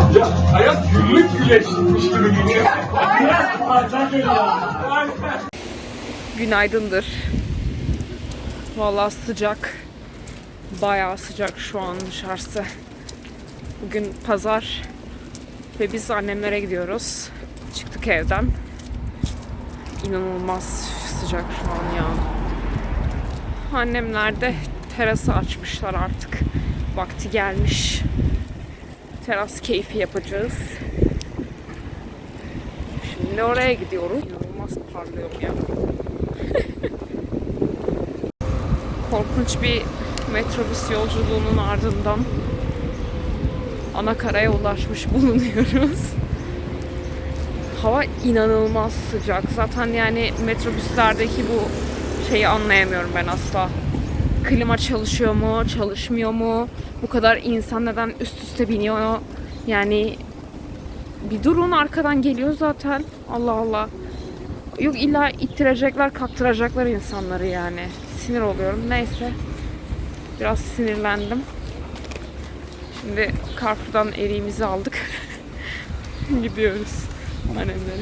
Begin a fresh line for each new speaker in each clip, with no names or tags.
Ya hayat güllük güleşmiş gibi geliyor.
Günaydındır. Vallahi sıcak. Bayağı sıcak şu an dışarısı. Bugün pazar ve biz annemlere gidiyoruz. Çıktık evden. İnanılmaz sıcak şu an ya. Annemler de terası açmışlar artık. Vakti gelmiş. Teras keyfi yapacağız. Şimdi oraya gidiyoruz. İnanılmaz parlıyorum ya. Korkunç bir metrobüs yolculuğunun ardından Anakara'ya ulaşmış bulunuyoruz. Hava inanılmaz sıcak. Zaten yani metrobüslerdeki bu şeyi anlayamıyorum ben asla. Klima çalışıyor mu, çalışmıyor mu? Bu kadar insan neden üst üste biniyor? Yani bir durun, arkadan geliyor zaten. Allah Allah. Yok illa ittirecekler, kaktıracaklar insanları yani. Sinir oluyorum. Neyse. Biraz sinirlendim. Şimdi Carrefour'dan eriğimizi aldık. Gidiyoruz annemlere.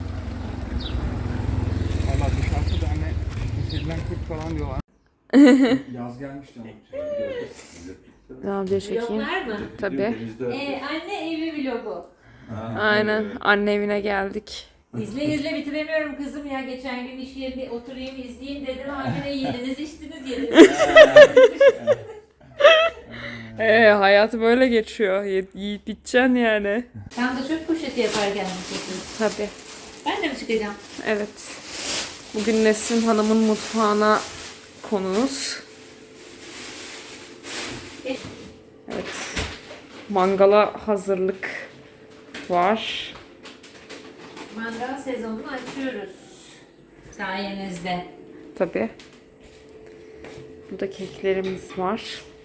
Valla dışarıda da hani Sri Kurt falan diyorlar. Yaz gelmiş canım.
Devam diye çekeyim.
Vloglar mı?
Tabii.
Anne evi vlogu.
Aynen. Anne evine geldik.
İzle bitiremiyorum kızım ya. Geçen gün iş yerinde oturayım izleyeyim dedim. Anne yediniz içtiniz yediniz.
Hayat böyle geçiyor. Yiyip biteceksin yani.
Tam da çöp poşeti yaparken mi çekiyorsun?
Tabii.
Ben de mi çıkacağım?
Evet. Bugün Nesrin Hanım'ın mutfağına konumuz. Evet. Mangala hazırlık var.
Mangal sezonunu açıyoruz. Sayenizde.
Tabii. Burada keklerimiz var.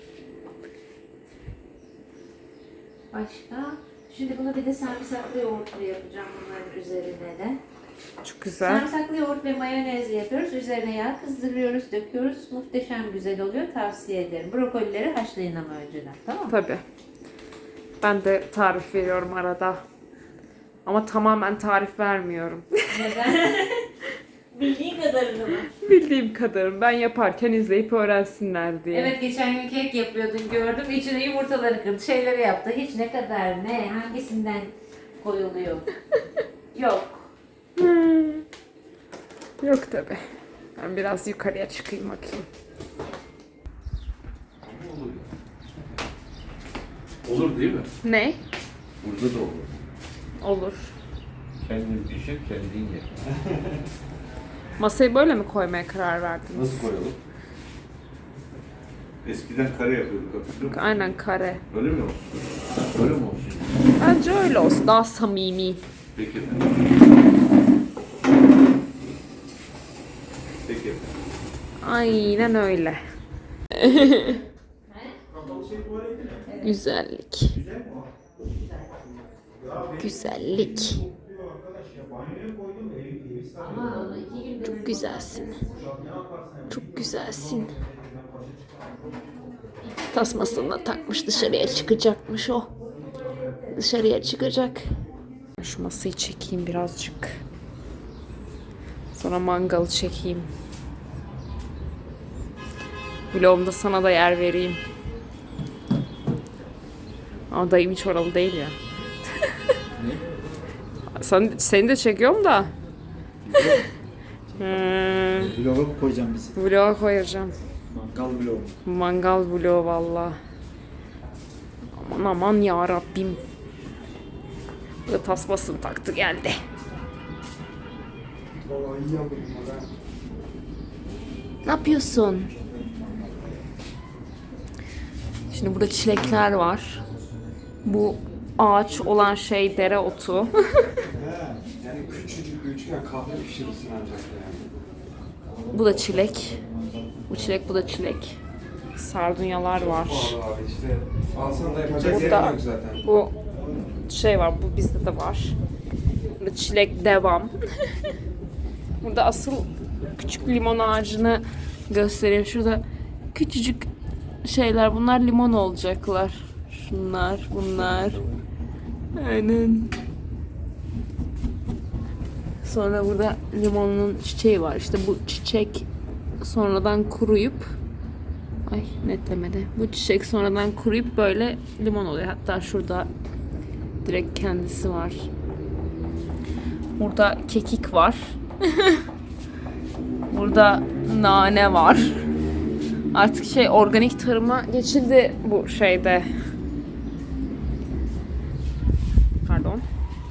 Başka? Şimdi buna bir de sarımsaklı yoğurtlu yapacağım bunların üzerine de.
Çok güzel.
Sarımsaklı yoğurt ve mayonez yapıyoruz. Üzerine yağ kızdırıyoruz, döküyoruz. Muhteşem güzel oluyor. Tavsiye ederim. Brokolileri haşlayın ama önceden. Tamam mı?
Tabii. Ben de tarif veriyorum arada. Ama tamamen tarif vermiyorum.
Neden? Bildiğin kadarını mı?
Bildiğim kadarım. Ben yaparken izleyip öğrensinler diye.
Evet, geçen gün kek yapıyordun gördüm. İçine yumurtaları kırdı. Şeyleri yaptı. Hiç ne kadar ne hangisinden koyuluyor? Yok.
Yok tabii. Ben biraz yukarıya çıkayım bakayım.
Olur değil mi?
Ne?
Burada da olur.
Olur.
Kendin pişir, kendin ye.
Masayı böyle mi koymaya karar verdiniz?
Nasıl koyalım? Eskiden kare yapıyorduk, hatırlıyor musun?
Aynen kare.
Öyle mi olsun? Öyle mi olsun?
Bence öyle olsun. Daha samimi.
Peki. Peki.
Aynen öyle. Güzellik. Güzellik. Çok güzelsin. Çok güzelsin. Tasmasını da takmış, dışarıya çıkacakmış o. Dışarıya çıkacak. Şu masayı çekeyim birazcık. Sonra mangalı çekeyim. Vlogumda sana da yer vereyim. Ama dayım hiç oralı değil ya. Seni de çekiyorum da.
Vloga mı koyacağım bizi?
Vloga koyacağım.
Mangal vlogu.
Mangal vlogu valla. Aman aman ya Rabbim. Bu da tasmasını taktı geldi.
Valla iyi yapayım ben.
Ne yapıyorsun? Şimdi burada çilekler var. Bu ağaç olan şey dereotu.
Yani küçücük bir üçgen kahve pişirirsin ancak yani.
Bu da çilek. Bu çilek, bu da çilek. Sardunyalar var.
Valla abi işte alsan da yapacak
Burada
yerin yok zaten.
bu şey var, bu bizde de var. Burada çilek devam. Burada asıl küçük limon ağacını göstereyim. Şurada küçücük şeyler, bunlar limon olacaklar. Şunlar, bunlar. Aynen. Sonra burada limonun çiçeği var. İşte bu çiçek sonradan kuruyup netlemedi. Bu çiçek sonradan kuruyup böyle limon oluyor. Hatta şurada direkt kendisi var. Burada kekik var. Burada nane var. Artık organik tarıma geçildi bu şeyde. Pardon.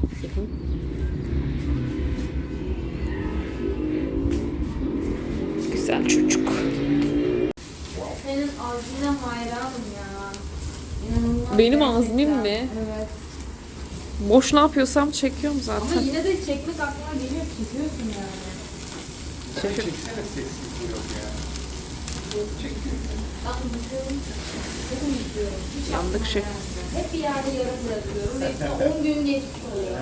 Güzel çocuk.
Senin ağzına hayranım ya. İnanılmaz
Benim
gerçekten.
azmim mi?
Evet.
Boş ne yapıyorsam çekiyorum
Ama
zaten.
yine de çekmek aklına geliyor. Çekiyorsun yani.
Sen çeksene sesli yok ya.
Ben bakıyorum. Bakın istiyorum. Hiç
Yandık
yapmam
şey.
yani. Hep bir yerde yarım bırakıyorum. Hepsi 10 gün geçmiş oluyor.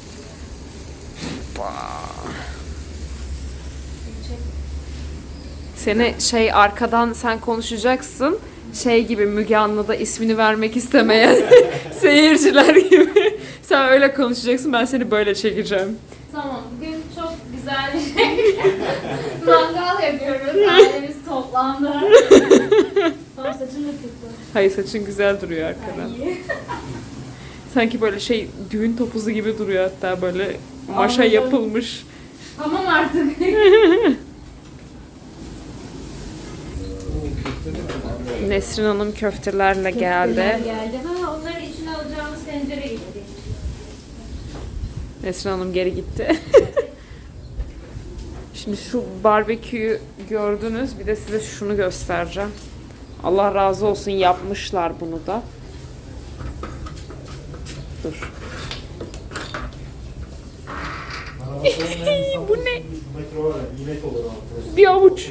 Seni arkadan sen konuşacaksın. Gibi Müge Anlı'da ismini vermek istemeyen seyirciler gibi. Sen öyle konuşacaksın, ben seni böyle çekeceğim.
Tamam, bugün çok güzel bir şey. Mangal yapıyoruz, ailemiz toplandı. Tamam, saçın da kötü.
Hayır, saçın güzel duruyor arkadan.
İyi.
Sanki böyle düğün topuzu gibi duruyor, hatta böyle maşa
Anladım.
yapılmış.
Tamam artık.
Nesrin Hanım köftelerle geldi.
Geldi. Ha, onların içine alacağımız tencere gitti.
Nesrin Hanım geri gitti. Şimdi şu barbeküyü gördünüz. Bir de size şunu göstereceğim. Allah razı olsun, yapmışlar bunu da. Dur. Bu ne? Bir avuç.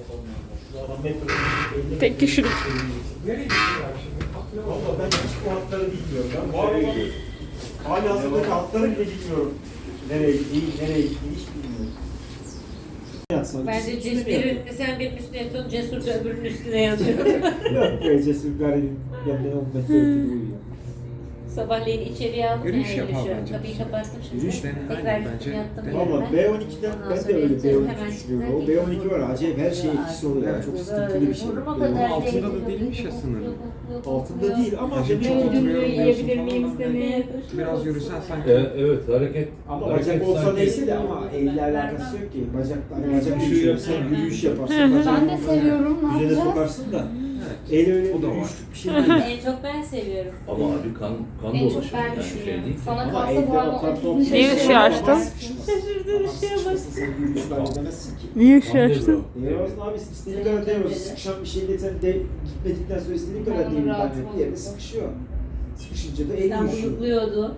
Tek kişilik.
Nereye gidiyorlar şimdi? Valla ben hiç bu hatları bilmiyorum. Ben var olan hali hazırdaki hatları bile bilmiyorum. Nereye gittiği, nereye gittiği hiç bilmiyorum.
Bence sen benim üstüne yatıyorsun, Cesur da öbürünün üstüne yatıyor.
Yok be Cesur garibim. Benden 10 metre ötede uyuyor.
Sabahleyin içeriye aldım.
Yürüyüş
yani
yapalım
yürüyüşü.
bence.
Kapıyı kapattım şimdi.
Yürüyüş denen
Tekrar
aynen
gittim
bence.
yattım
Valla
yerime.
B12'den
Ondan
ben de
sonra
öyle
yatacağım,
B12
hemen
düşünüyorum. O
çıktılar,
B12 var acayip her şey etkisi oluyor. Yani çok sıkıntılı bir şey.
Burnuma
B12.
kadar
altında da
değdi.
değilmiş ya
Yok, yok,
sınırı.
yok, yok,
Altında
yok.
değil ama
Bence
demek
çok
ki
oturuyor.
Yiyebilir miyim seni?
Biraz yürüsen sanki.
Evet hareket.
ama bacak olsa neyse de ama elle alakası yok ki. Bacak üşüyor. Sen yürüyüş yaparsın.
Ben de seviyorum. Ne
Düzene
yapacağız?
sokarsın da.
Evet.
El öyle
O da var.
yürüyüşlük bir şey değil.
En çok ben seviyorum.
Ama abi kan
En çok
dolaşıyor.
ben
Yani
düşünüyorum.
değil.
Sana
Ama
kalsa
elde
bu arada
o kadar
30'un
top-
Niye ışığı açtın?
Şaşırdığın ışığa bak. Sen yürüyüş var demezsin ki.
Niye
Kan devre.
Diyemezsin abi istediğin kadar diyemezsin. Sıkışan bir şeyle sen de gitmedikten sonra istediğin kadar
Ben
değil.
rahatım
Yani bir yerde sıkışıyor. Sıkışınca da el
Sen
yürüyüşüyor.
buyukluyordu.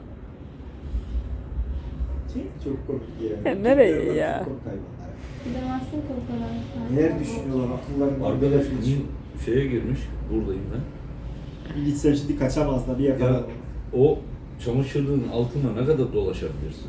Çok komik ya.
Ya nereye
Çok
ya?
komik hayvanlar.
Gidemezsin korkarak.
Neler düşünüyorlar akıllarında.
Arkadaş şeye girmiş. Buradayım ben.
Bir gitsem şimdi kaçamaz da bir
Ya
yakalarım.
o çamaşırlığın altına ne kadar dolaşabilirsin?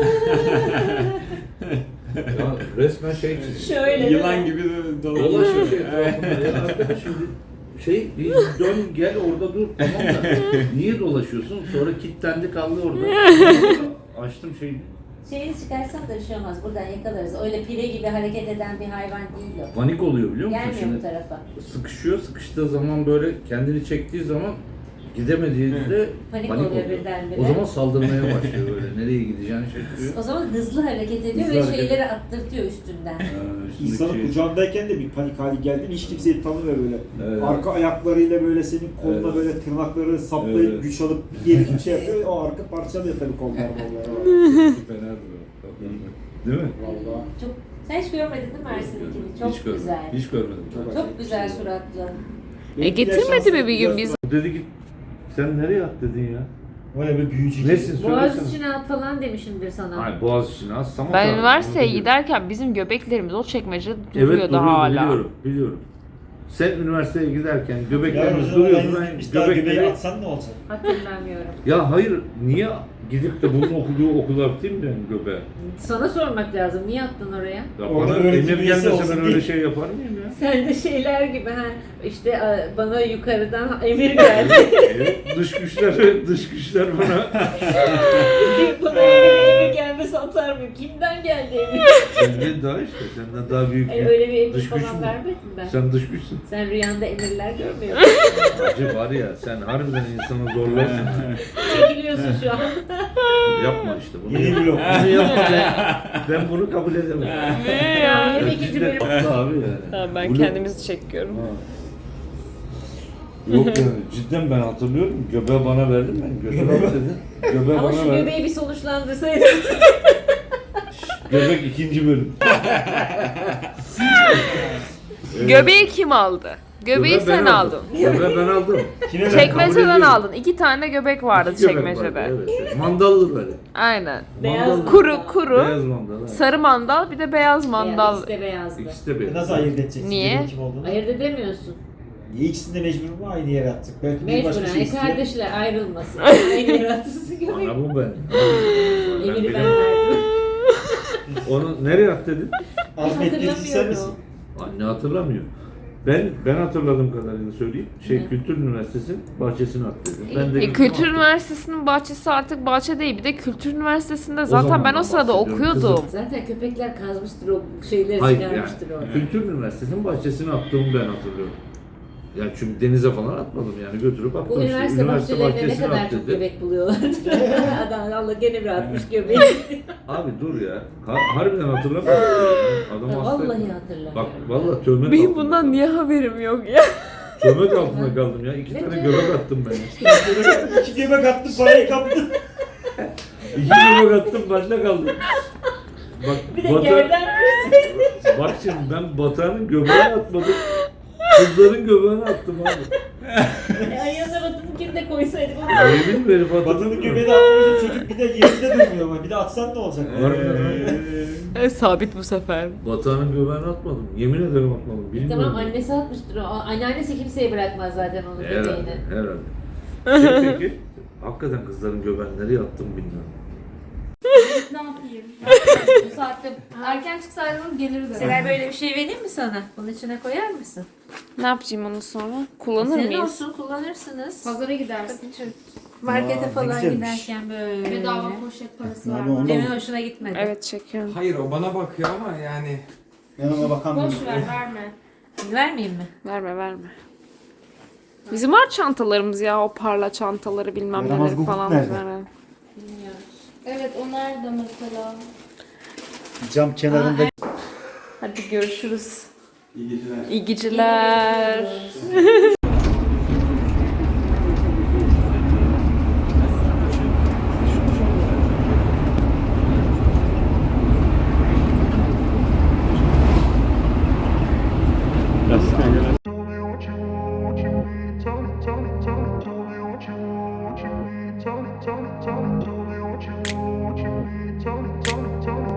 Ya resmen çizmiş.
Şöyle
Yılan gibi de
Dolaşıyor etrafında. Ya arkadaş şimdi bir dön gel orada dur tamam da niye dolaşıyorsun? Sonra kilitlendi kaldı orada. Açtım
Şeyi çıkarsan da bir şey olmaz. Buradan yakalarız. Öyle pire gibi hareket eden bir hayvan değil o.
panik oluyor biliyor musun?
Gelmiyor bu
Şimdi
tarafa.
sıkışıyor, sıkıştığı zaman böyle kendini çektiği zaman gidemediğinde
Panik oluyor birdenbire.
O zaman saldırmaya başlıyor böyle. Nereye gideceğini şaşırıyor.
O zaman hızlı hareket ediyor
Hızlı
ve
hareket.
şeyleri attırtıyor üstünden.
Üstündeki
İnsanın
şey-
kucağındayken de bir panik hali geldi mi hiç kimseyi tanımıyor böyle.
Evet.
Arka ayaklarıyla böyle senin koluna
Evet.
böyle tırnakları saplayıp
Evet.
güç alıp geri bir şey yapıyor. O arka parçalıyor tabii kollar.
Fena duruyor. Değil mi?
Valla.
Çok. Sen hiç görmedin değil mi Ersin'inkini? Çok
Hiç görmedim.
güzel.
Hiç görmedim.
Çok güzel suratlı.
Getirmedi mi bir gün biz?
O dedi git. Sen nereye at dedin ya?
Vay be büyücü.
Nesin
Boğaz
söylesene.
içine at falan demişimdir sana.
Hayır boğaz içine az Samat
Ben
abi,
üniversiteye
onu biliyorum.
giderken bizim göbeklerimiz o çekmecede
Evet
duruyordu hala.
Biliyorum. Sen üniversiteye giderken
Ya
göbeklerimiz
o zaman
duruyordu.
ben
Ben
bir daha göbeği
göbekleri...
atsan ne olacak?
Hatırlamıyorum.
Ya hayır, niye gidip de bunun okuduğu okula atayım ben göbeğe?
Sana sormak lazım. Niye attın oraya?
Ya
Orada
bana
öğretim
emir
üyesi
gelmese
olsun
ben öyle
diye.
şey yapar mıyım ya?
Sen de şeyler gibi ha. İşte bana yukarıdan emir geldi.
Evet, dış güçler bana
Bana emir gelmesi atar mı? Kimden geldi emir?
senden daha işte, senden daha büyük
Öyle bir emir
dış güç
falan
mü?
vermedin ben.
Sen dış güçsün.
Sen rüyanda emirler görmüyor musun?
Acı var ya, sen harbiden insanı zorlarsın. ha.
Çekiliyorsun şu an.
Yapma işte bunu.
Yeni blok.
Bunu yapma ben bunu kabul edemem.
Ya, yeni
Ya
ikinci
cidden
bölüm.
haklı abi yani.
Tamam, ben
Bunu-
kendimizi çekiyorum.
Ha. Yok yani cidden ben hatırlıyorum. Göbeği bana verdin ben. Göbeği dedi. Göbeği
Ama
bana
şu
verdin.
göbeği bir sonuçlandırsaydın.
Göbek ikinci bölüm.
Göbeği kim aldı? Göbeği sen
ben
aldın.
Göbeği ben aldım.
Kime verdin?
Kabul
Çekmeceden
ediyorum.
aldın. 2 tane göbek vardı
İki göbek
çekmecede.
vardı, evet. Mandallı böyle.
Aynen.
Beyaz
Mandallı.
Kuru kuru.
Beyaz mandal. Evet.
Sarı mandal, bir de beyaz mandal.
İkisi de beyazdı.
İkisi de beyaz.
Nasıl ayırt edeceksin?
Niye?
Kimin kim olduğunu?
Ayırt edemiyorsun.
Niye ikisini de mecbur mu aynı yere attık? Belki bir başka
Mecburen.
şey istiyor.
Kardeşler ayrılmasın. Aynı yaratıcısı göbek.
Ana bu ben.
Emiri ben
bilemem.
verdim.
Onu nereye at dedin?
Azmettiricisi sen misin?
Anne hatırlamıyor. Ben hatırladığım kadarıyla söyleyeyim. Kültür Üniversitesi'nin bahçesine at dedim. Ben de
Kültür
attım.
Üniversitesi'nin bahçesi artık bahçe değil. Bir de Kültür Üniversitesi'nde zaten ben
zamandan
o sırada
bahsediyorum
okuyordum.
kızım.
Zaten köpekler kazmıştır o şeyleri
Hayır
çıkarmıştır
yani
orada.
Kültür Üniversitesi'nin bahçesine attığımı ben hatırlıyorum. Yani çünkü denize falan atmadım yani götürüp attım
Bu
işte.
üniversite bahçelerinde ne
bahçesine
kadar
at
çok
dedi.
göbek buluyorlardı. Adam Allah gene bir atmış göbeği.
Abi dur ya. Harbiden hatırlamıyorum. Adam hasta.
Vallahi
Bak
hatırlamıyorum.
vallahi töhmet
Benim
altında
bundan
kaldım.
niye haberim yok ya?
Töhmet altında kaldım ya. 2
Ne
tane
töhmet?
göbek attım ben.
İki göbek attı parayı kaptı.
2 göbek attım başta kaldım. Bak,
Bir de yerden
bak şimdi ben Batuhan'ın göbeğini atmadım. Kızların göbeğini attım abi.
ayağına batınınkini de koysaydık.
Yemin mi herif attım?
Batının göbeğini atmıyorsa çocuk bir de yerinde durmuyor ama bir de atsan ne olacak?
Sabit bu sefer.
Batuhan'ın göbeğini atmadım. Yemin ederim atmadım. Bilmiyorum.
Tamam annesi atmıştır o. Anneannesi kimseye bırakmaz zaten onun
Herhalde.
göbeğini.
Herhalde. Peki. Hakikaten kızların göbeğini nereye attım bilmiyorum.
Ne yapayım? Bu saatte erken çıksaydınız geliriz.
Seray böyle bir şey vereyim mi sana? Bunun içine koyar mısın?
Ne yapacağım onu sonra? Kullanır
Senin
mıyız?
olsun kullanırsınız.
Pazara gidersin.
Markete
Aa,
falan
ne güzelmiş.
giderken böyle.
Bedava poşet parası
Ya
var.
bu ondan-
Cem'in hoşuna gitmedi.
Evet, çekiyorum.
Hayır o bana bakıyor ama yani
Ben ona bakamıyorum.
Boş ver, verme.
Vermeyeyim mi?
Verme verme. Bizim var çantalarımız ya, o parla çantaları bilmem
Yaramaz
neleri
Google
falan.
nerede?
Veren.
Evet, o nerede mesela?
Cam kenarında.
Hadi görüşürüz.
İyi geceler.
İyi geceler.
Tell me what you need, tell me what you need, tell me